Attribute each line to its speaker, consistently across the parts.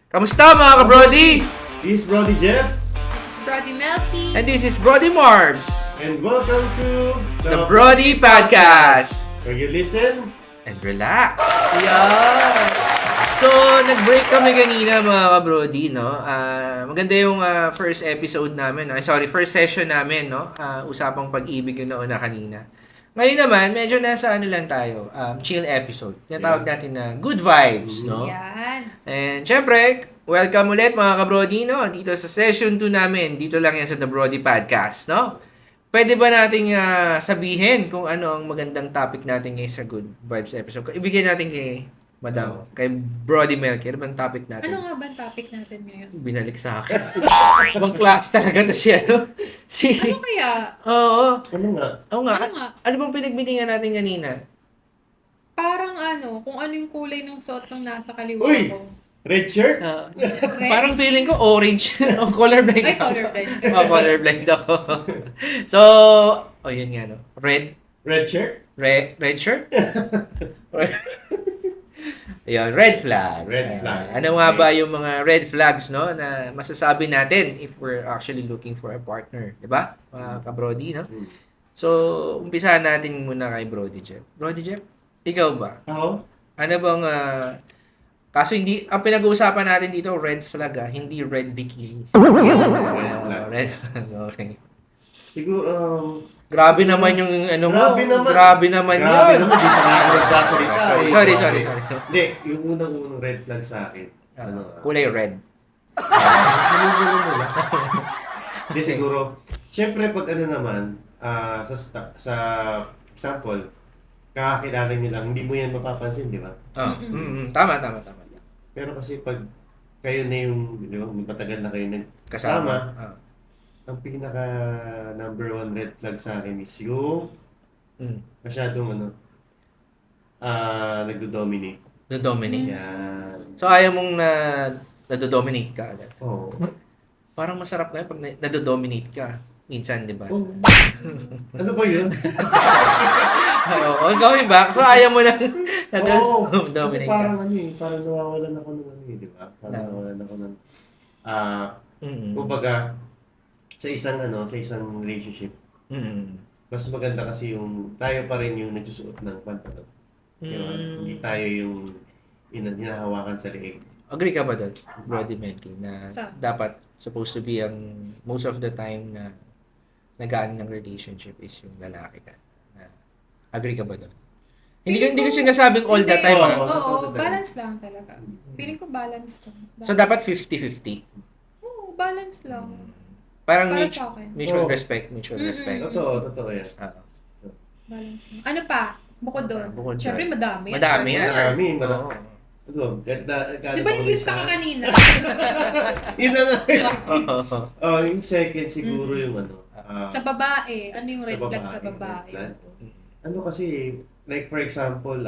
Speaker 1: Kamusta mga ka-Brody?
Speaker 2: This is Brody Jeff.
Speaker 3: This is Brody Melky.
Speaker 1: And this is Brody Marbs,
Speaker 2: And welcome to
Speaker 1: the Brody Podcast.
Speaker 2: where you listen.
Speaker 1: And relax. Yeah. So, nag-break kami kanina mga ka-Brody, no? Maganda yung first episode namin. First session namin, no? Usapang pag-ibig yung nauna kanina. Ngayon naman, medyo nasa lang tayo, chill episode. Tinatawag natin na good vibes, no?
Speaker 3: Yan.
Speaker 1: And syempre, welcome ulit mga ka-Brody, no? Dito sa session 2 namin. Dito lang yan sa The Brody Podcast, no? Pwede ba nating sabihin kung ano ang magandang topic natin ngayon sa Good Vibes episode? Ibigay natin kay Madam, kay Brody Melky. Ano bang topic natin?
Speaker 3: Ano nga ba ang topic natin ngayon?
Speaker 1: Binalik sa akin. Ibang class talaga to siya, no?
Speaker 3: Ano kaya?
Speaker 1: Oo.
Speaker 2: Ano nga?
Speaker 1: Oo nga.
Speaker 3: Ano nga?
Speaker 1: Ano bang pinagmitingan natin kanina?
Speaker 3: Parang kung ano yung kulay ng suot ng nasa kaliwa
Speaker 2: Uy!
Speaker 3: ko.
Speaker 2: Red shirt?
Speaker 3: Red?
Speaker 1: Parang feeling ko orange. O, colorblind
Speaker 3: Ay,
Speaker 1: ako.
Speaker 3: colorblind.
Speaker 1: Colorblind ako. So, yun nga, no? Red
Speaker 2: Shirt?
Speaker 1: red shirt? Ayun, red flag.
Speaker 2: Red flag.
Speaker 1: Ano nga ba yung mga red flags, no, na masasabi natin if we're actually looking for a partner, 'di ba? Mga ka-Brody, no? So, umpisahan natin muna kay Brody Jeff. Brody Jeff, ikaw ba?
Speaker 2: Ako?
Speaker 1: Ano bang kaso hindi ang pinag-uusapan natin dito red flag, hindi red bikinis.
Speaker 2: Red flag.
Speaker 1: Red flag. Okay.
Speaker 2: Siguro,
Speaker 1: Grabe naman yung ano mo.
Speaker 2: Grabe naman.
Speaker 1: Grabe naman
Speaker 2: grabe
Speaker 1: yun.
Speaker 2: naman, di pa nga ako nagsasalita. eh.
Speaker 1: Sorry.
Speaker 2: Hindi, yung unang red flag sa akin.
Speaker 1: Kulay red.
Speaker 2: Hindi, siguro. Siyempre, pag ano naman, sa example, kakakilala niyo lang, hindi mo yan mapapansin, di ba?
Speaker 1: Tama.
Speaker 2: Pero kasi pag kayo na yung, di ba, matagal na kayo
Speaker 1: Kasama.
Speaker 2: nagkasama, ang pinaka number one red flag sa akin is yung masyadong nagdo-dominate.
Speaker 1: Dominate.
Speaker 2: Yan.
Speaker 1: So, ayaw mong nado-dominate ka agad.
Speaker 2: Oo.
Speaker 1: Parang masarap na yun pag nado-dominate ka. Minsan, di ba?
Speaker 2: Oh. Ano ba yun?
Speaker 1: Oo, going back. So, ayaw mo na
Speaker 2: Oo. Kasi
Speaker 1: nado-dominate
Speaker 2: parang
Speaker 1: ka.
Speaker 2: parang nawawalan ako ng di ba? Parang nawawalan ako ng,
Speaker 1: Mm-mm.
Speaker 2: kumbaga, sa isang relationship, mas maganda kasi yung tayo pa rin yung nagsusuot ng pantalon. Diba? Hindi tayo yung hinahawakan sa leeg.
Speaker 1: Agree ka ba doon, Brody Melky, na
Speaker 3: Sa-
Speaker 1: dapat supposed to be ang most of the time na nagaan ng relationship is yung lalaki ka? Agree ka ba doon? Hindi ko sinasabing all the time.
Speaker 2: Oo.
Speaker 3: Oo, balance lang talaga. Feeling ko balance lang.
Speaker 1: So, dapat 50-50.
Speaker 3: Oo, balance lang.
Speaker 1: Parang
Speaker 3: Para sa akin.
Speaker 1: mutual
Speaker 2: Oo.
Speaker 1: respect.
Speaker 2: Totoo yan.
Speaker 3: Balance lang. Ano pa? Bukod doon.
Speaker 1: Bukod doon.
Speaker 3: Siyempre, madami.
Speaker 1: Madami yan.
Speaker 2: Marami.
Speaker 1: Oo.
Speaker 2: Di
Speaker 3: Di ba nilista ka kanina?
Speaker 2: Yun na nga.
Speaker 1: Oo.
Speaker 2: Yung second siguro yung
Speaker 3: Sa babae. Ano yung red
Speaker 2: sa
Speaker 3: flag sa
Speaker 2: babae,
Speaker 3: babae?
Speaker 2: red flag. Kasi, like for example,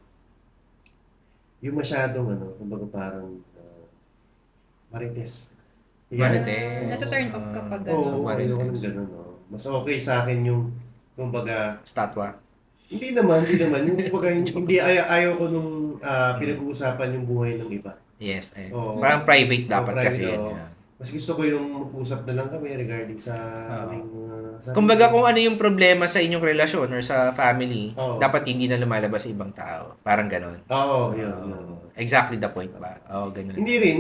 Speaker 2: yung masyadong kumbaga parang marites.
Speaker 1: Marites.
Speaker 3: Nata-turn off kapag
Speaker 2: Oo,
Speaker 1: marites.
Speaker 2: ayoko ng ganun. Mas okay sa akin yung, kumbaga,
Speaker 1: Statwa.
Speaker 2: hindi naman. Yung kumbaga, hindi ayaw ko nung pinag-uusapan yung buhay ng iba.
Speaker 1: Yes.
Speaker 2: Oo.
Speaker 1: Parang private dapat
Speaker 2: private,
Speaker 1: kasi yan.
Speaker 2: oo.
Speaker 1: Yeah.
Speaker 2: Mas gusto ko yung mag-usap na lang kami regarding sa aming
Speaker 1: Kumbaga kung ano yung problema sa inyong relasyon or sa family,
Speaker 2: Oo.
Speaker 1: dapat hindi na lumalabas sa ibang tao. Parang ganon.
Speaker 2: Oo, yun.
Speaker 1: Exactly the point ba? Oo, ganon.
Speaker 2: Hindi rin,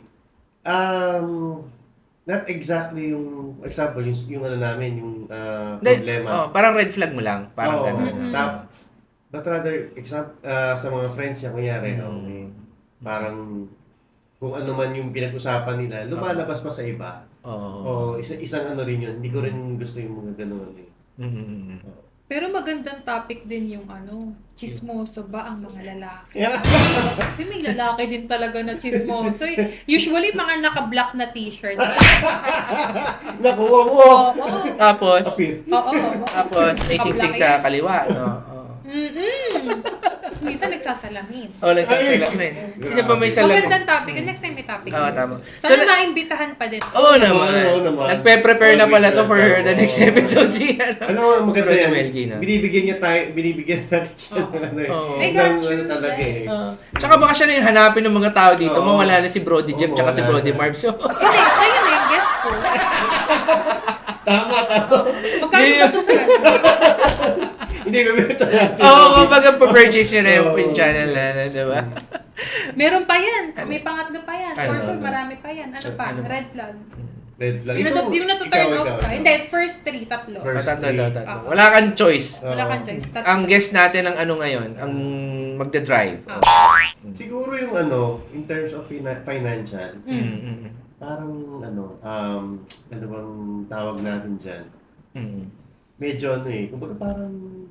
Speaker 2: not exactly yung example, yung namin, yung problema.
Speaker 1: Parang red flag mo lang. Parang
Speaker 2: Oo.
Speaker 1: ganon.
Speaker 2: But rather, sa mga friends niya, kunyari, parang kung ano man yung pinag-usapan nila, lumalabas pa sa iba.
Speaker 1: Oo.
Speaker 2: Isang rin yun. Hindi ko rin gusto yung mga gano'n.
Speaker 3: Pero magandang topic din yung chismoso ba ang mga lalaki?
Speaker 2: Yeah.
Speaker 3: Kasi may lalaki din talaga na chismoso. Usually, mga naka-black na t-shirt.
Speaker 2: Nakuha mo!
Speaker 3: Oo.
Speaker 1: Tapos,
Speaker 2: Appear.
Speaker 3: Oo.
Speaker 1: may singsing sa kaliwa. No? Oo.
Speaker 3: Tapos minsan Minsan nagsasalamin.
Speaker 1: Nagsasalamin. Sino pa may salamin?
Speaker 3: Magandang topic. Next time may topic.
Speaker 1: Oo, tama.
Speaker 3: Sana
Speaker 1: So,
Speaker 3: maimbitahan pa din.
Speaker 1: Oo naman.
Speaker 2: Oo naman.
Speaker 1: Nagpe-prepare na pala to for
Speaker 2: Always
Speaker 1: the next episode si
Speaker 2: Maganda
Speaker 1: Brody
Speaker 2: yan.
Speaker 1: Melky, no?
Speaker 2: Binibigyan natin siya ng ano eh.
Speaker 1: Oo.
Speaker 3: I got
Speaker 2: Ng
Speaker 3: you,
Speaker 2: ano talaga eh.
Speaker 1: Tsaka baka siya na yung hanapin ng mga tao dito.
Speaker 2: Oo.
Speaker 1: Mawala na si Brody Jeff
Speaker 2: Oo,
Speaker 1: tsaka si
Speaker 2: mawala
Speaker 1: Brody
Speaker 2: na.
Speaker 1: Marv. So,
Speaker 3: Hindi, kayo na yung guest ko.
Speaker 2: Tama.
Speaker 3: Magkano ba ito sa ganun?
Speaker 2: Hindi, bibenta natin.
Speaker 1: kumbaga pa-purchase nyo na
Speaker 2: Oo.
Speaker 1: yung channel na, di ba?
Speaker 3: Meron pa yan. May pangatlo pa yan. For
Speaker 1: Ano?
Speaker 3: sure, marami pa yan. Ano pa?
Speaker 1: Ano ba?
Speaker 3: Red flag.
Speaker 2: Red flag.
Speaker 3: Yung natu-turn off ka. Hindi, first 3, tatlo.
Speaker 2: First.
Speaker 1: Tatlo.
Speaker 3: Ah.
Speaker 1: Wala kang choice.
Speaker 3: Wala kang choice. Tatlo.
Speaker 1: Ang guest natin ang ano ngayon, ang magda-drive.
Speaker 2: Siguro yung in terms of financial, parang ano bang tawag natin dyan? Medyo kumbaga parang,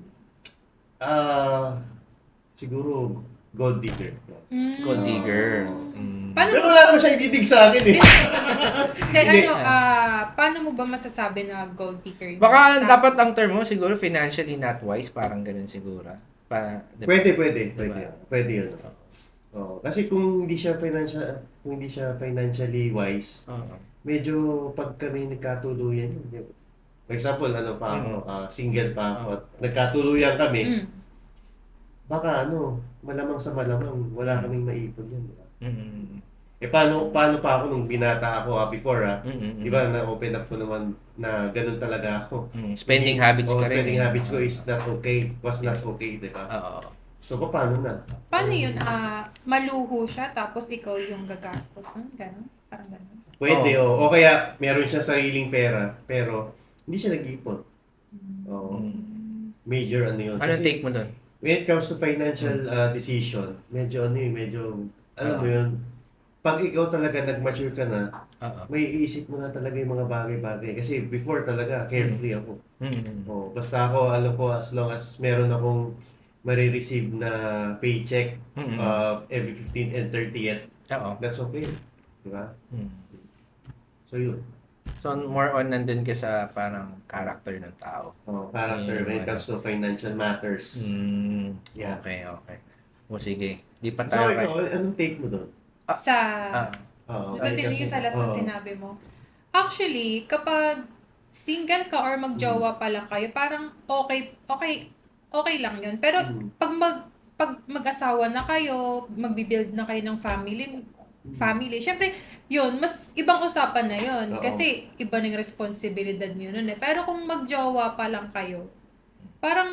Speaker 2: siguro gold digger.
Speaker 1: Gold digger.
Speaker 3: Paano
Speaker 2: Pero
Speaker 3: mo,
Speaker 2: wala naman siya ididig sa akin eh.
Speaker 3: hindi, paano mo ba masasabi na gold digger?
Speaker 1: Baka dapat ang term mo siguro financially not wise, parang ganun siguro. Diba?
Speaker 2: Pwede yun. Kasi kung hindi siya financially wise,
Speaker 1: Oo.
Speaker 2: medyo pag kami nagkatuluyan yun. Di ba? For example, single pa ako at nagkatuluyan kami, baka malamang sa malamang wala kaming maipon yan. Di ba? Paano pa ako nung binata ako before di ba na-open up ko naman na ganun talaga ako.
Speaker 1: Spending habits ka rin.
Speaker 2: Spending habits ko is not okay, was not okay, di ba?
Speaker 1: Oo.
Speaker 2: So, paano na?
Speaker 3: Paano yun? Maluho siya tapos ikaw yung gagastos. Ganun? Parang ganun.
Speaker 2: Pwede, o kaya meron siya sariling pera, pero hindi siya nag-ipon. Major yun.
Speaker 1: Anong take mo doon?
Speaker 2: When it comes to financial decision, medyo alam mo yun, pag ikaw talaga nag-mature ka na, may iisip mo na talaga yung mga bagay-bagay. Kasi before talaga, carefree ako. Basta ako, alam ko, as long as meron akong marireceive na paycheck every 15th and 30th, that's okay. Diba? So yun.
Speaker 1: So more on nandun ka sa parang character ng tao.
Speaker 2: Character when it comes to financial matters. Yeah.
Speaker 1: Okay. O sige. Di pa
Speaker 2: So
Speaker 1: tayo
Speaker 2: ikaw, anong take mo doon?
Speaker 3: Yung sa last na sinabi mo. Actually, kapag single ka or magjowa pa lang kayo, parang okay lang yun. Pero pag mag-asawa na kayo, magbi-build na kayo ng family, syempre, yun, mas ibang usapan na yun. Kasi iba ng responsibilidad nyo nun eh. Pero kung magjowa pa lang kayo, parang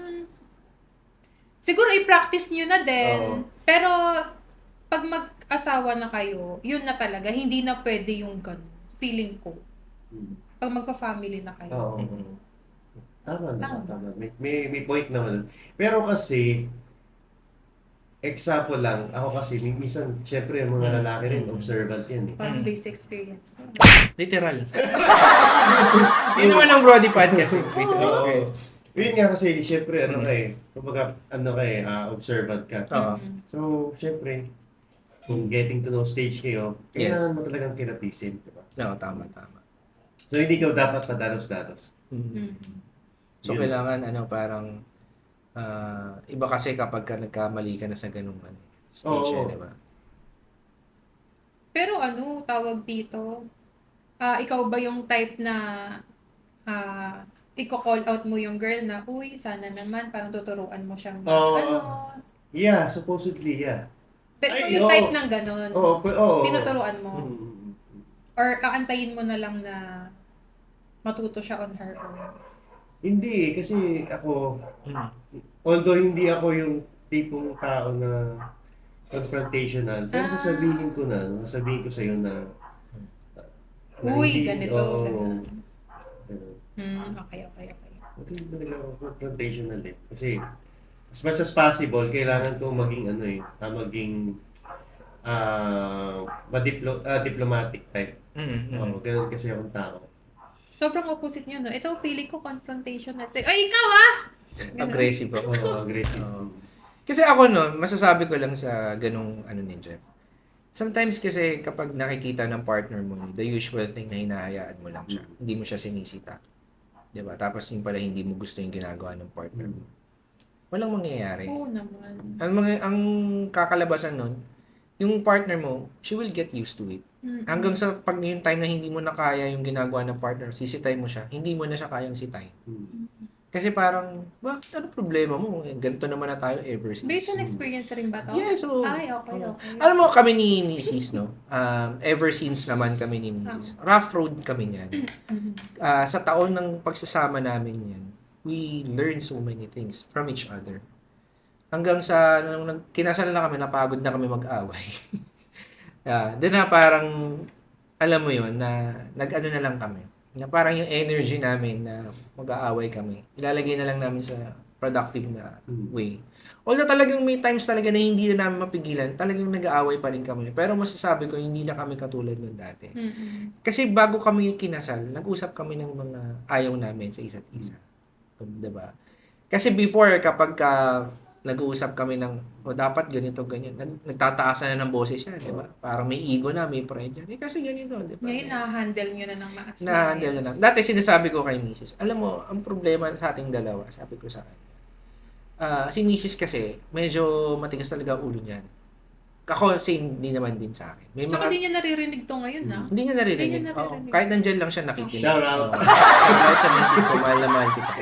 Speaker 3: siguro i-practice nyo na din. Pero pag mag-asawa na kayo, yun na talaga, hindi na pwede yung ganun. Feeling ko. Pag magpa-family na kayo.
Speaker 2: Tama. May point naman. Pero kasi, example lang, ako kasi, minsan, syempre, yung mga lalaki rin, observant yan eh.
Speaker 3: Parang base experience.
Speaker 1: literal. Yun naman ang Brody Podcast.
Speaker 2: Yun nga kasi, syempre, kumbaga, observant ka. So, syempre, kung getting to know stage kayo, kailangan mo talagang kinatisin, diba?
Speaker 1: Oo, tama.
Speaker 2: So, hindi ka dapat padalos-dalos.
Speaker 1: So, kailangan, parang, iba kasi kapag nagkamali ka na sa ganung stage, di ba?
Speaker 3: Pero tawag dito, ikaw ba yung type na i-call out mo yung girl na, uy, sana naman, parang tuturuan mo siyang
Speaker 2: Yeah, supposedly, yeah.
Speaker 3: Pero yung type ng ganon, tinuturuan mo. Or aantayin mo na lang na matuto siya on her own.
Speaker 2: Hindi, kasi ako, although hindi ako yung tipong tao na confrontational, pero sasabihin ko sa'yo na
Speaker 3: uy, ganito. Okay.
Speaker 2: Hindi talaga ako confrontational eh. Kasi, as much as possible, kailangan ko maging diplomatic type. Ganun kasi akong tao.
Speaker 3: Sobrang opposite nyo, no? Ito, feeling ko confrontational. Ay, ikaw Ganun.
Speaker 1: Aggressive ako.
Speaker 2: Aggressive.
Speaker 1: Kasi ako masasabi ko lang sa ganung ni Jeff. Sometimes kasi kapag nakikita ng partner mo, the usual thing na hinahayaan mo lang siya. Hindi mo siya sinisita. 'Di ba? Tapos yung pala hindi mo gusto yung ginagawa ng partner mo. walang mangyayari.
Speaker 3: Oo naman.
Speaker 1: Ang kakalabasan nun, yung partner mo, she will get used to it. Hanggang sa pag yung time na hindi mo na kaya yung ginagawa ng partner, sisitay mo siya, hindi mo na siya kayang sitay. Kasi parang, bakit ano problema mo? Eh, ganito naman na tayo ever since.
Speaker 3: Based on experience rin ba to?
Speaker 1: Yes, so,
Speaker 3: Ay, okay.
Speaker 1: alam mo, kami ni Mrs., no? Ever since naman kami ni Mrs. Rough road kami niyan. Sa taon ng pagsasama namin yan, we learn so many things from each other. Hanggang sa, nung kinasal na kami, napagod na kami mag-away. Doon na parang, alam mo yun, na nag-ano na lang kami. Na parang yung energy namin na mag-aaway kami, ilalagay na lang namin sa productive na way. Although talagang may times talaga na hindi na namin mapigilan, talagang nag-aaway pa rin kami. Pero masasabi ko, hindi na kami katulad ng dati. Kasi bago kami kinasal, nag-usap kami ng mga ayaw namin sa isa't isa. Diba? Kasi before, kapag nag-uusap kami ng, dapat ganito, ganyan. Nagtataasan na ng boses niya, di ba? Parang may ego na, may pride yan. Kasi ganito, di ba?
Speaker 3: Ngayon, na-handle nyo na ng maas.
Speaker 1: Na-handle na lang. Dati sinasabi ko kay Mrs., alam mo, ang problema sa ating dalawa, sabi ko sa kanya, si Mrs. kasi, medyo matigas talaga ulo niyan. Ako, same din naman din sa akin. May
Speaker 3: Tsaka di niya naririnig to ngayon, na.
Speaker 1: Hindi niya naririnig.
Speaker 3: Hindi niya naririnig.
Speaker 1: Oo, kahit nandyan lang siya nakikinig.
Speaker 2: Shout out.
Speaker 1: Shout out sa Mrs. ko, mahal na mahal kita.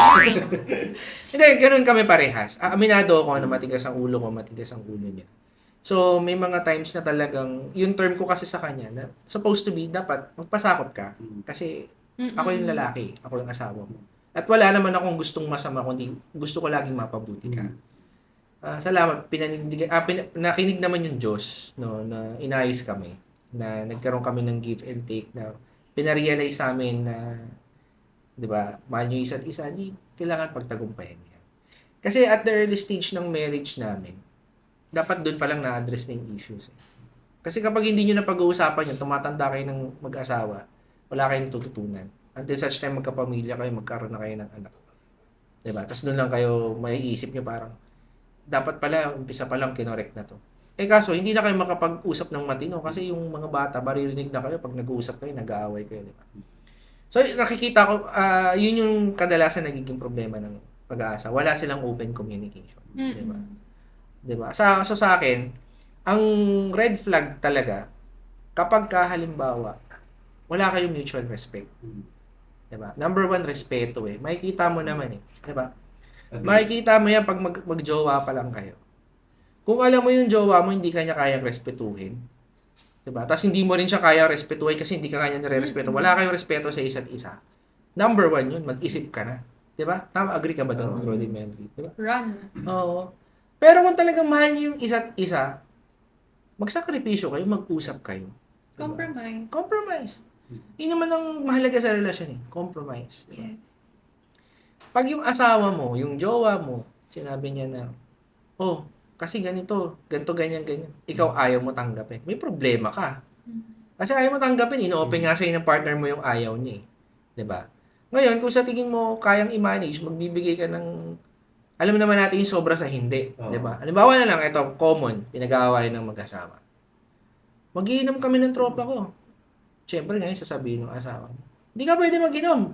Speaker 1: Hindi, ganun kami parehas. Aminado ako na matigas ang ulo ko, matigas ang ulo niya. So, may mga times na talagang, yung term ko kasi sa kanya, na supposed to be, dapat magpasakot ka. Kasi, ako yung lalaki, ako yung asawa mo. At wala naman akong gustong masama, kundi gusto ko laging mapabuti ka. Salamat, nakinig naman yung Diyos, no, na inayos kami, na nagkaroon kami ng give and take, na pinarealize sa amin na, di ba, mahal nyo isa't isa, di kailangan pagtagumpayan niya. Kasi at the early stage ng marriage namin, dapat doon pa lang na-address na yung issues. Kasi kapag hindi nyo na pag-uusapan yun, tumatanda kayo ng mag-asawa, wala kayong tututunan. Until such time magkapamilya kayo, magkaroon na kayo ng anak. Diba? Tapos doon lang kayo maiisip nyo parang, dapat pala, umpisa pa lang kinorek na to. Kaso, hindi na kayo makapag-usap ng matino kasi yung mga bata, maririnig na kayo pag nag-uusap kayo, nag-aaway kayo. Diba? So, nakikita ko, yun yung kadalasan nagiging problema ng pag-aasa. Wala silang open communication. Diba? Diba? So sa akin, ang red flag talaga, kapag halimbawa, wala kayong mutual respect. Diba? Number one, respeto eh. Makikita mo naman eh. Diba? Makikita mo yan pag mag-jowa pa lang kayo. Kung alam mo yung jowa mo, hindi kanya kayang respetuhin. Diba? Tapos hindi mo rin siya kaya respetuhin kasi hindi ka kanya nire-respeto. Wala kayong respeto sa isa't isa. Number one yun, mag-isip ka na. Diba? Tama, agree ka ba doon, Brody Melody? Diba?
Speaker 3: Run.
Speaker 1: Oo. Pero kung talagang mahal niyo yung isa't isa, magsakripisyo kayo, mag-usap kayo. Diba?
Speaker 3: Compromise.
Speaker 1: Compromise. Yun naman ang mahalaga sa relasyon eh. Compromise. Diba?
Speaker 3: Yes.
Speaker 1: Pag yung asawa mo, yung jowa mo, sinabi niya na, kasi ganito, ganyan. Ikaw ayaw mo tanggapin. May problema ka. Kasi ayaw mo tanggapin, ino-open nga sa'yo ng partner mo yung ayaw niya eh. Diba? Ngayon, kung sa tingin mo kayang i-manage, magbibigay ka ng, alam naman natin yung sobra sa hindi. Diba? Halimbawa na lang, ito, common, pinag-aawayan ng mag-asawa. Mag-iinom kami ng tropa ko. Siyempre ngayon, sasabihin ng asawa, hindi ka pwede mag-inom.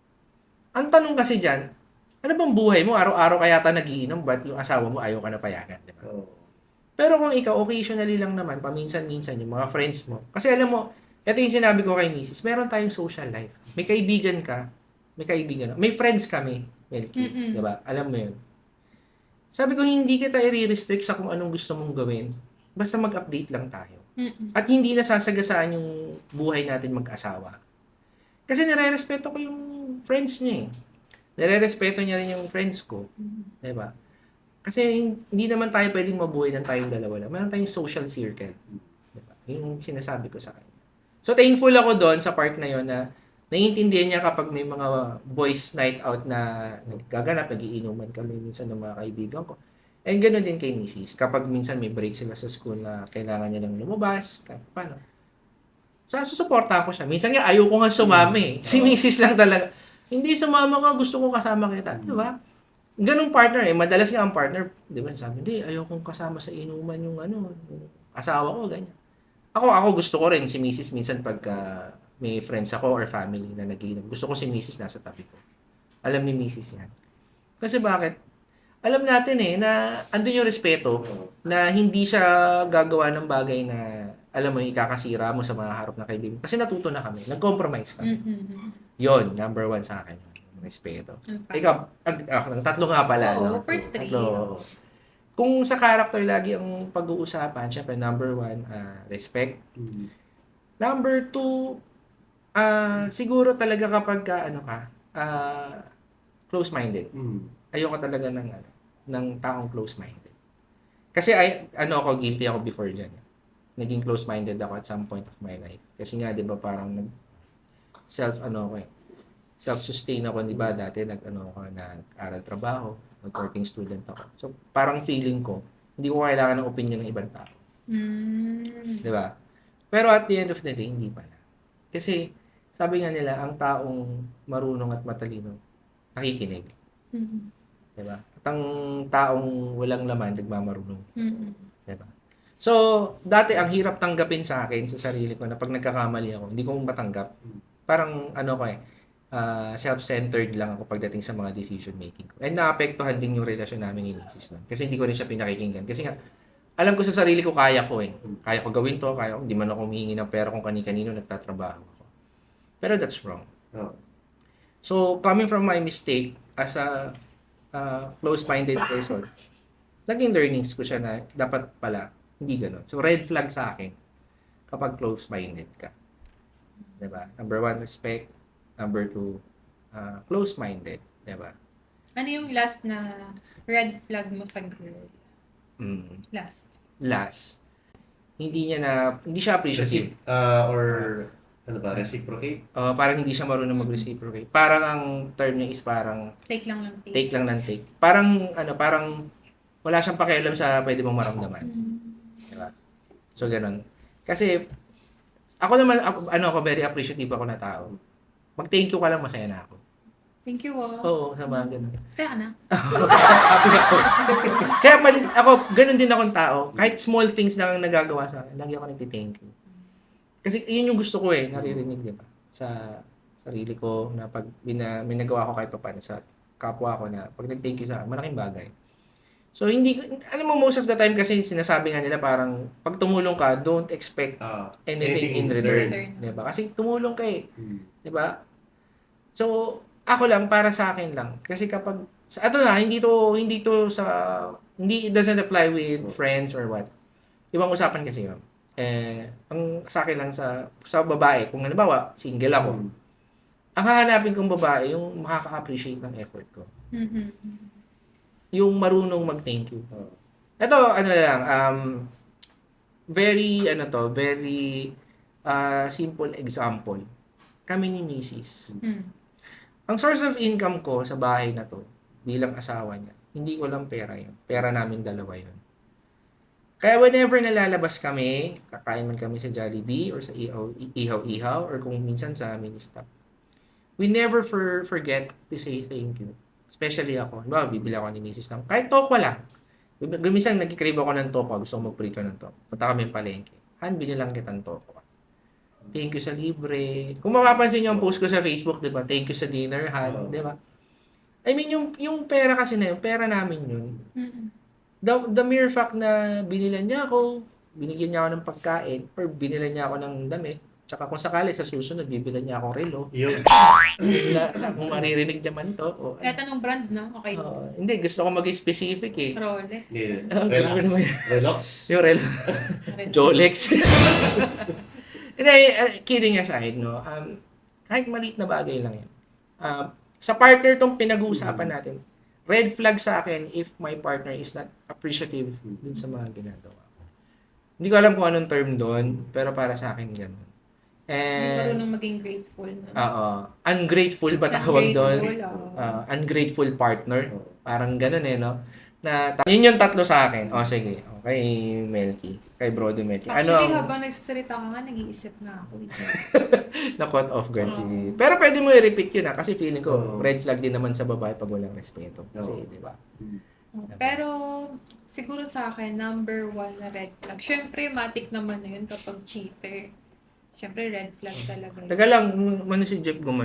Speaker 1: Ang tanong kasi dyan, ano bang buhay mo? Araw-araw kaya ta nagiinom, ba't yung asawa mo ayaw ka na payagan? Diba? Pero kung ikaw, occasionally lang naman, paminsan-minsan, yung mga friends mo. Kasi alam mo, ito yung sinabi ko kay Mrs. Meron tayong social life. May kaibigan ka, may friends kami, Melky. Diba? Alam mo yun. Sabi ko, hindi kita i-restrict sa kung anong gusto mong gawin. Basta mag-update lang tayo. At hindi nasasagasaan yung buhay natin mag-asawa. Kasi nire-respeto ko yung friends niya eh. Nire-respeto niya rin yung friends ko. Diba? Kasi hindi naman tayo pwedeng mabuhay ng tayong dalawa lang. Meron tayong social circle. Diba? Yung sinasabi ko sa kanya. So, thankful ako doon sa part na yon na naiintindihan niya kapag may mga boys night out na nagaganap, nagiinuman kami minsan ng mga kaibigan ko. And ganoon din kay Mrs. Kapag minsan may break sila sa school na kailangan niya lang lumabas, paano? Susuporta ko siya. Minsan nga, ayaw ko nga sumama eh. Si Mrs. lang talaga. Hindi sumama ka, gusto ko kasama kita. Di ba? Ganong partner eh. Madalas nga ang partner, di ba, sabi, hindi, ayaw kong kasama sa inuman yung yung asawa ko, ganyan. Ako gusto ko rin si Mrs. minsan pagka may friends ako or family na nagiinom. Gusto ko si Mrs. nasa tabi ko. Alam ni Mrs. yan. Kasi bakit? alam natin na andun yung respeto na hindi siya gagawa ng bagay na alam mo, ikakasira mo sa mga harap na kaibigan. Kasi natuto na kami. Nag-compromise kami. Yon number 1 sa akin. Respeto. Ikaw, tatlo nga pala.
Speaker 3: Oo,
Speaker 1: no?
Speaker 3: first 3.
Speaker 1: Tatlo. Kung sa character lagi ang pag-uusapan, syempre number 1, respect. Number 2, siguro talaga kapag close-minded. Ayoko talaga ng taong close-minded. Kasi ako, guilty ako before dyan. Naging close-minded ako at some point of my life. Kasi nga, di ba, parang self-sustain ako, di ba, dati nag-aral trabaho, nag-working student ako. So, parang feeling ko, hindi ko kailangan ng opinion ng ibang tao. Di ba? Pero at the end of the day, hindi pala. Kasi, sabi nga nila, ang taong marunong at matalino, nakikinig. Diba? At ang taong walang laman, nagmamarunong. Diba? So, dati ang hirap tanggapin sa akin, sa sarili ko, na pag nagkakamali ako, hindi ko matanggap. Parang, self-centered lang ako pagdating sa mga decision making ko. And naapektuhan din yung relasyon namin ni Mrs. Lang. Kasi hindi ko rin siya pinakikinggan. Kasi nga, alam ko sa sarili ko, kaya ko Kaya ko gawin to, hindi man ako humihingi ng pera kung kani-kanino nagtatrabaho ako. Pero that's wrong. So, coming from my mistake as a close-minded person, naging learnings ko siya na dapat pala hindi gano'n. So, red flag sa akin kapag close-minded ka. Diba? Number 1, respect. Number 2, close-minded. Diba?
Speaker 3: Ano yung last na red flag mo sa girl? Last.
Speaker 1: Hindi siya appreciative.
Speaker 2: Reciprocate?
Speaker 1: Parang hindi siya marunong mag-reciprocate. Parang ang term niya is parang
Speaker 3: Take lang ng take.
Speaker 1: take lang ng take. Parang wala siyang pakialam sa pwede mong maramdaman. Diba? So, ganun. Kasi, ako naman, ako very appreciative ako na tao. Mag-thank you ka lang, masaya na ako.
Speaker 3: Thank you,
Speaker 1: Oo, sa mga ganun.
Speaker 3: Saya ka na?
Speaker 1: Kaya ako, ganun din akong tao. Kahit small things lang ang nagagawa sa akin, lagi ako nagti-thank you. Kasi yun yung gusto ko naririnig, di ba? Sa sarili ko, na pag may nagawa ko kahit pa paano sa kapwa ko na pag nag-thank you sa akin, malaking bagay. So, alam mo, most of the time kasi sinasabi nga nila parang, pag tumulong ka, don't expect anything in return. Diba? Kasi tumulong ka Diba? So, ako lang, para sa akin lang. Kasi kapag, hindi it doesn't apply with friends or what. Ibang usapan kasi yun. Ang sa akin lang sa babae, kung halimbawa, single ako, ang hahanapin kong babae, yung makaka-appreciate ng effort ko. Yung marunong mag-thank you. Ito, very simple example. Kami ni Mrs. Ang source of income ko sa bahay na to, bilang asawa niya, hindi ko lang pera yun. Pera namin dalawa yun. Kaya whenever nalalabas kami, kakain man kami sa Jollibee or sa Ihaw-Ihaw or kung minsan sa Ministop, we never forget to say thank you. Especially ako. Diba, bibili ako ni Mrs. ng kahit tokwa lang. Gumisang nagkikrave ako ng tokwa. Gusto ko magprito ng tokwa. Punta kami yung palengke. Han, binilang kitang tokwa. Thank you sa libre. Kung mapapansin niyo ang post ko sa Facebook, diba? Thank you sa dinner, Han. Diba? I mean, yung pera kasi na yun, pera namin yun. The mere fact na binilan niya ako, binigyan niya ako ng pagkain, or binilan niya ako ng damit, tsaka kung sakali sa susunod, bibilan niya akong relo.
Speaker 2: Yun.
Speaker 1: Kung maririnig naman to.
Speaker 3: Eto nung brand, no? Okay.
Speaker 1: Hindi, gusto ko maging specific
Speaker 3: Rolex.
Speaker 2: Relax.
Speaker 1: Yung relo. Jolex. Hindi, kidding aside, no? Kahit maliit na bagay lang yun. Sa partner tong pinag-uusapan natin, red flag sa akin if my partner is not appreciative dun sa mga ginagawa ko. Hindi ko alam kung anong term doon, pero para sa akin gano'n.
Speaker 3: Hindi marunong maging grateful.
Speaker 1: Ungrateful ba tawag doon?
Speaker 3: Ungrateful,
Speaker 1: Ungrateful partner. Parang gano'n no? Yun yung tatlo sa akin. Sige. Okay, Melky. Kay Brody Melky.
Speaker 3: Actually, habang nagsasalita ka nga, nag-iisip na ako.
Speaker 1: Na-caught off guard si... Pero pwede mo i-repeat yun kasi feeling ko, red flag din naman sa babae pag walang respeto. Kasi, di ba?
Speaker 3: Pero, siguro sa akin, number 1 na red flag. Siyempre, matik naman na yun kapag cheater. Siyempre, red flag talaga.
Speaker 1: Taga lang, si Jeff gumanon.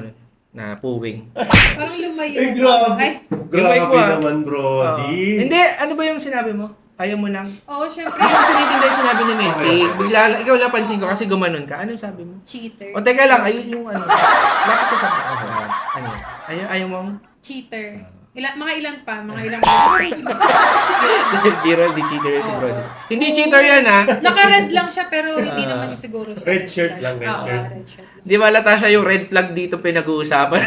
Speaker 1: na puwing.
Speaker 3: Parang lumayo.
Speaker 2: Ay, grabe.
Speaker 3: Ay,
Speaker 1: Grabe
Speaker 2: Grabe
Speaker 1: ah.
Speaker 2: naman, Brody.
Speaker 1: Hindi, ano ba yung sinabi mo? Ayaw mo lang?
Speaker 3: oo, syempre,
Speaker 1: Hindi ko sinitindi yung sinabi ni Milky.
Speaker 2: Okay.
Speaker 1: Bigla, ikaw lang pansin ko kasi gumanon ka. Anong sabi mo?
Speaker 3: cheater.
Speaker 1: O teka lang, ayun yung ano. Bakit ka sabi? Ano? Ayaw mong?
Speaker 3: Cheater. Mga ilan pa, mga ilang
Speaker 1: Gerald, di cheater yan si Brody. Hindi cheater yan ha.
Speaker 3: Naka-red lang siya pero hindi naman siguro siya.
Speaker 2: Red shirt lang, red
Speaker 3: Oo,
Speaker 2: shirt.
Speaker 3: red shirt.
Speaker 1: Di ba lata siya yung red flag dito pinag-uusapan?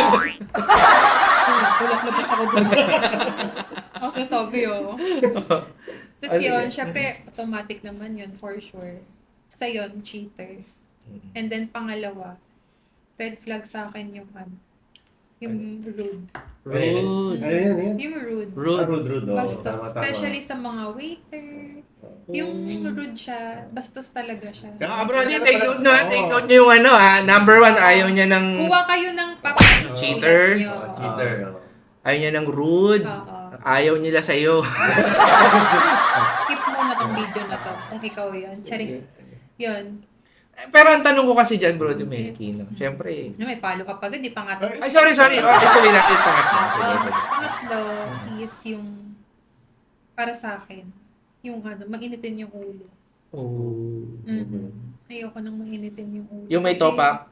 Speaker 3: Ulat na ako doon. Ako sasabi Tapos
Speaker 1: Ano
Speaker 3: yun,
Speaker 1: yun?
Speaker 3: syempre, automatic naman yun, for sure. Sa yun, cheater. And then, pangalawa, red flag sa akin yung yung rude.
Speaker 1: Rude.
Speaker 2: Ano yan?
Speaker 3: Yung rude.
Speaker 1: Rude.
Speaker 2: Rude. Oh.
Speaker 3: Bastos.
Speaker 2: Tama.
Speaker 3: Especially sa mga waiter. Yung rude siya, bastos talaga siya.
Speaker 1: Ah, Brody, take note na. Take note niyo yung ano ha. Number 1, ayaw niya ng
Speaker 3: Kuha kayo ng papel.
Speaker 1: Cheater.
Speaker 2: Cheater.
Speaker 1: ayaw niya ng rude.
Speaker 3: Oo.
Speaker 1: Ayaw nila sa'yo.
Speaker 3: Skip mo na tong video na to kung ikaw yun. Charing. Yun.
Speaker 1: Pero ang tanong ko kasi dyan, Brody Melky, no? Siyempre.
Speaker 3: May palo ka pa, di pangatlo.
Speaker 1: Ay, sorry. Ito lang, ito pangatlo.
Speaker 3: Pangatlo is yung, para sa akin, yung mainitin yung ulo.
Speaker 1: Oh.
Speaker 3: Ayoko nang mainitin yung ulo.
Speaker 1: Yung may topak.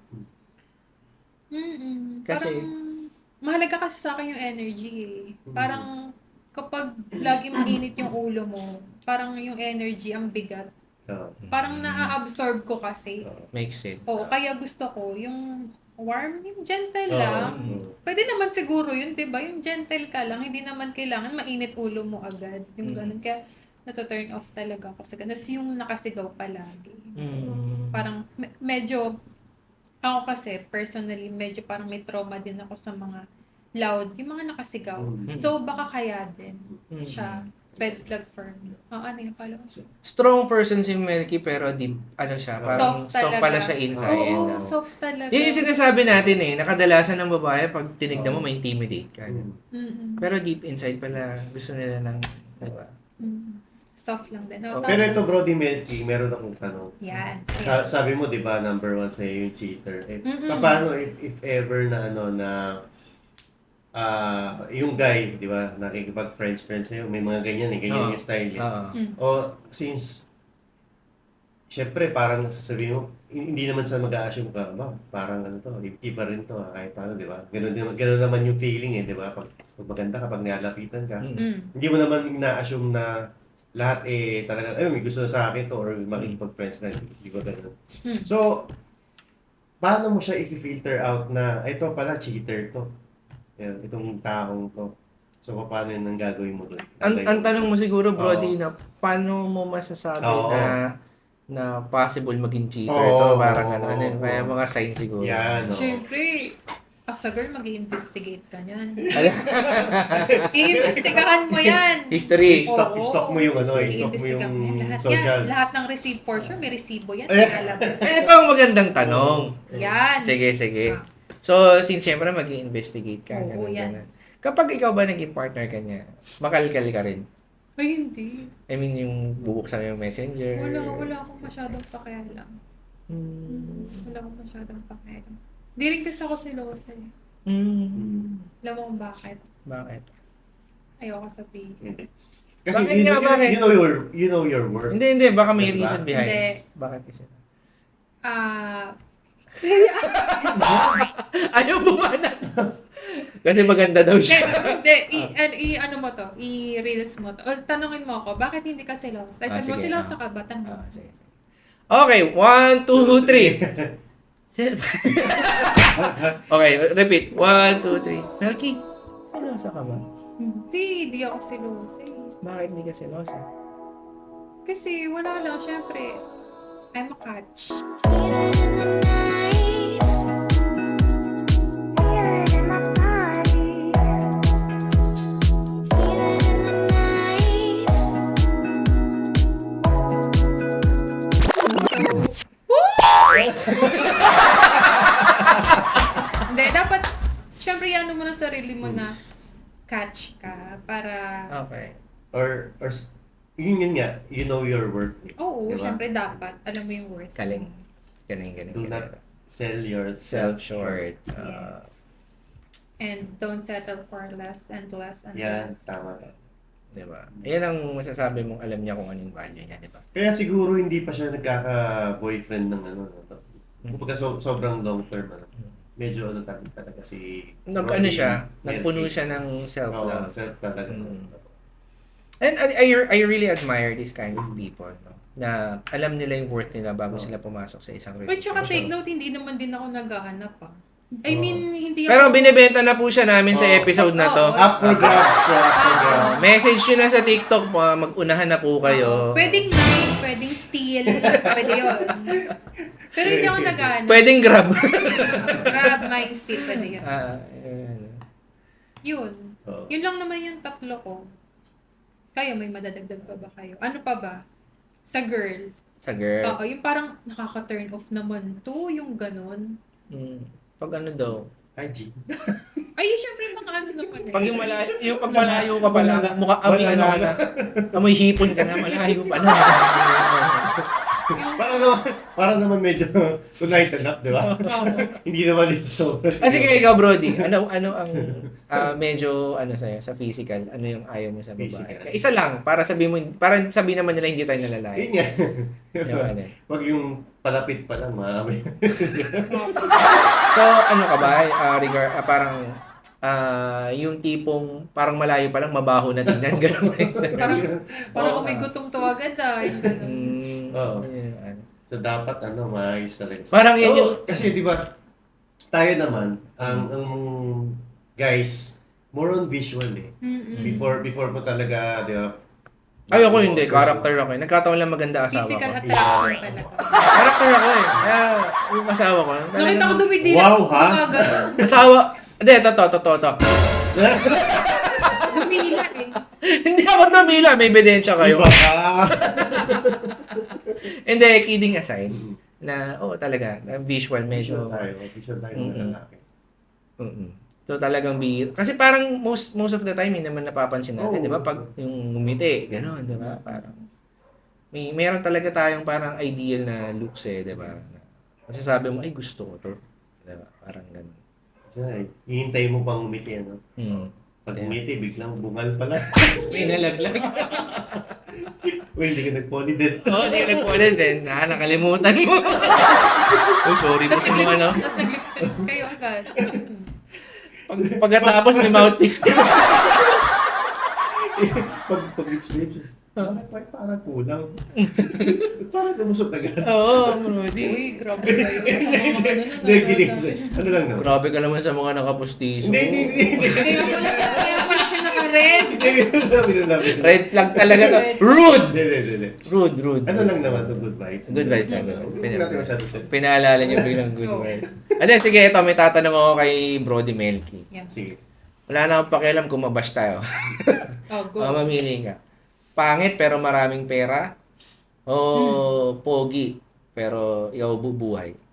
Speaker 1: Kasi?
Speaker 3: Parang, mahalaga kasi sa akin yung energy eh. Parang, kapag lagi mainit yung ulo mo, parang yung energy ang bigat. Parang naa-absorb ko kasi.
Speaker 1: Makes sense.
Speaker 3: Oo, kaya gusto ko yung warm, yung gentle lang. Pwede naman siguro yun, di ba? Yung gentle ka lang, hindi naman kailangan mainit ulo mo agad. Yung ganun. Kaya nato-turn off talaga ako sa ganun. Tapos yung nakasigaw palagi. Parang medyo, ako kasi personally, medyo parang may trauma din ako sa mga loud, yung mga nakasigaw. So baka kaya din siya. Red flag for me. Ano yung pala?
Speaker 1: Strong person si Melky pero di, ano siya, parang soft pala siya inside.
Speaker 3: Oo, soft talaga.
Speaker 1: Yun yung sinasabi natin eh, nakadalasan ng babae pag tinignan mo, ma-intimidate ka. Pero deep inside pala, gusto nila ng, diba?
Speaker 3: Soft lang din.
Speaker 2: Pero ito, Brody Melky, meron akong tanong.
Speaker 3: Yan.
Speaker 2: Sabi mo, di ba, number 1 sa'yo yung cheater. Paano if ever na yung guy, di ba, nakikipag-friends sa'yo, may mga ganyan ganyan yung style eh. O since, syempre parang sasabihin mo, hindi naman sa mag-a-assume ka, ba, parang iba rin to, kahit paano, di ba? Ganun naman yung feeling eh, di ba? Pag maganda kapag nialapitan ka, hindi mo naman na-assume na lahat talaga, may gusto na sa akin to, or makikipag-friends na, di ba ganun? So, paano mo siya i-filter out na, ito pala, cheater to? Yan, itong taong to. So, paano yun ang gagawin mo doon?
Speaker 1: Ang tanong mo siguro, Brody, na paano mo masasabi na possible maging cheater to? Parang kaya mga sign siguro.
Speaker 2: Yan,
Speaker 3: Siyempre, as a girl, mag-i-investigate ka niyan. I-investigahan mo yan.
Speaker 1: History.
Speaker 2: Stop mo yung
Speaker 3: I-investigahan mo yan.
Speaker 2: socials.
Speaker 3: Lahat ng receipt portion, may resibo yan. Lalabas.
Speaker 1: Ito ang magandang tanong.
Speaker 3: Yan.
Speaker 1: Sige. So, since siyempre mag-i-investigate ka.
Speaker 3: Oo, yan.
Speaker 1: Ganun. Kapag ikaw ba naging partner ka niya, makalkal ka rin?
Speaker 3: Ay, hindi.
Speaker 1: I mean, yung bubuksan mo yung messenger.
Speaker 3: Wala akong masyadong pakialam. Wala akong masyadong pakialam. Di rin kasi ako silosa eh. Alam mo kung bakit?
Speaker 1: Bakit?
Speaker 3: Ayoko sabihin.
Speaker 2: Kasi
Speaker 1: Bakit bakit?
Speaker 2: you know your worth.
Speaker 1: Hindi. Baka may
Speaker 2: Diba?
Speaker 1: reason behind.
Speaker 3: Hindi.
Speaker 1: Bakit kasi? Ayaw bumanat. Kasi maganda daw siya.
Speaker 3: Ano mo to? I-reels mo to. O tanungin mo ako, bakit hindi ka silosa? Ay, sabi mo,
Speaker 1: sige.
Speaker 3: silosa ka ba? Tanong.
Speaker 1: Sige. Okay, 1, 2, 3. Okay, repeat. 1, 2, 3. Melky, silosa ka ba?
Speaker 3: Hindi ako silosa eh.
Speaker 1: Bakit hindi ka silosa?
Speaker 3: Kasi wala lang, syempre. I'm a catch. Hindi, dapat, syempre, ano mo na sarili mo na catch ka para...
Speaker 1: Okay.
Speaker 2: Or yun nga, you know your worth.
Speaker 3: Oo,
Speaker 2: Diba?
Speaker 3: syempre dapat. Alam mo yung worth.
Speaker 1: Galing.
Speaker 2: Do not sell yourself
Speaker 1: Self short.
Speaker 3: Yes. And don't settle for less and less and
Speaker 2: Yan,
Speaker 3: less.
Speaker 2: tama.
Speaker 1: Diba? Yan ang masasabi mong alam niya kung anong value niya, diba?
Speaker 2: Kaya siguro hindi pa siya nagkaka-boyfriend ng ano. Kumbaga sobrang long term. Medyo talaga si...
Speaker 1: Nag-ano siya,
Speaker 2: Melky.
Speaker 1: nagpuno siya ng
Speaker 2: Oo,
Speaker 1: self-love.
Speaker 2: self talaga.
Speaker 1: And I really admire this kind of people, no? Na alam nila yung worth nila bago sila pumasok sa isang
Speaker 3: Wait, tsaka
Speaker 1: relationship.
Speaker 3: take note, hindi naman din ako naghahanap I mean, hindi
Speaker 1: Pero
Speaker 3: ako...
Speaker 1: binibenta na po siya namin sa
Speaker 2: Oo.
Speaker 1: episode na to.
Speaker 3: Oo.
Speaker 2: Up for grabs po, up for grabs.
Speaker 1: Message nyo na sa TikTok, mag-unahan na po kayo.
Speaker 3: Pwedeng night, pwedeng steal, pwede yun. Pero hindi ako naghahanap.
Speaker 1: Pwedeng grab.
Speaker 3: Grab, mine, steal, pwede yun.
Speaker 1: Yun.
Speaker 3: Yun.
Speaker 2: Oo.
Speaker 3: Yun lang naman yung tatlo ko. Kayo, may madadagdag pa ba kayo? Ano pa ba? Sa girl.
Speaker 1: Sa girl.
Speaker 3: Oo, yung parang nakaka-turn off naman to, yung ganun.
Speaker 1: Pag ano daw.
Speaker 2: IG.
Speaker 3: Ay, syempre mga ano naman eh.
Speaker 1: Pag yung pag malayo ka pala, mukha amoy ano ka na. Amoy hipon ka na, malayo pa na.
Speaker 2: Parang naman medyo tonight enough, di ba? Hindi naman yung sobrang.
Speaker 1: Sige, ikaw, Brody. Ano ang medyo ano sa'yo, sa physical? Ano yung ayaw mo sa babae?
Speaker 2: Physical.
Speaker 1: Isa lang, para sabihin naman nila hindi tayo nalalaki.
Speaker 2: Yun nga.
Speaker 1: Yung ano.
Speaker 2: Wag yung palapit pa lang, maamoy.
Speaker 1: So, ano ka ba? Yung tipong parang malayo pa lang, mabaho na tingnan. Ganun.
Speaker 3: Parang kung may gutom to agad yung ganun.
Speaker 2: Oo.
Speaker 1: Ano.
Speaker 2: So dapat maayos talaga.
Speaker 1: Parang yan yung...
Speaker 2: Kasi di ba, tayo naman, ang guys, more on visual eh.
Speaker 3: Mm-mm.
Speaker 2: Before mo talaga, di ba?
Speaker 1: Ayoko hindi, character ako eh. Nagkataon lang maganda asawa
Speaker 3: Physical
Speaker 1: ko.
Speaker 3: attraction talaga.
Speaker 1: Character ako eh. Kaya yung asawa ko.
Speaker 3: Nakita ko dumidila.
Speaker 2: Wow, ha?
Speaker 1: Asawa... Hindi, totoo.
Speaker 3: Dumila eh.
Speaker 1: Hindi ako namila, may ebidensya kayo.
Speaker 2: Iba ka!
Speaker 1: Hindi, kidding aside, na, talaga, na visual, medyo,
Speaker 2: Visual tayo ng lalaki.
Speaker 1: So talagang kasi parang most of the time, hindi naman napapansin natin, di ba? Pag yung ngumiti, gano'n, di ba? Parang, meron talaga tayong parang ideal na looks di ba? Masasabi mo, ay gusto ko to. Di ba? Parang gano'n.
Speaker 2: Hihintay mo pang umiti, ano? Pag umiti, biglang bungal pala.
Speaker 1: May nalaglag.
Speaker 2: Uy, hindi ka nag-polydent.
Speaker 1: Hindi ka nag-pollen din. Nakalimutan mo. Sorry po sa mga ano.
Speaker 3: Tapos nag-lips-to-lips kayo agad.
Speaker 1: Pagkatapos may mouthpiece ka.
Speaker 2: Pag lips-lips, parang kulang. Parang lumusot agad.
Speaker 1: Oo, Brody.
Speaker 3: Uy, grabe kayo.
Speaker 2: Hindi, kidding. Ano lang naman?
Speaker 1: Grabe ka naman sa mga nakapustiso.
Speaker 2: Hindi.
Speaker 3: Kaya pala siya naka-red.
Speaker 1: Red flag talaga to. Rude!
Speaker 2: Hindi.
Speaker 1: Rude.
Speaker 2: Ano lang naman to, good vibes.
Speaker 1: Good vibes lang.
Speaker 2: Hindi natin masyado siya.
Speaker 1: Pinaalala niyo biglang good vibes. Sige, ito, may tatanong ako kay Brody Melky.
Speaker 3: Yeah.
Speaker 2: Sige.
Speaker 1: Wala na akong pakialam kung mabash tayo.
Speaker 3: Go.
Speaker 1: Mamili ka. Pangit pero maraming pera? O pogi pero ikaw bubuhay?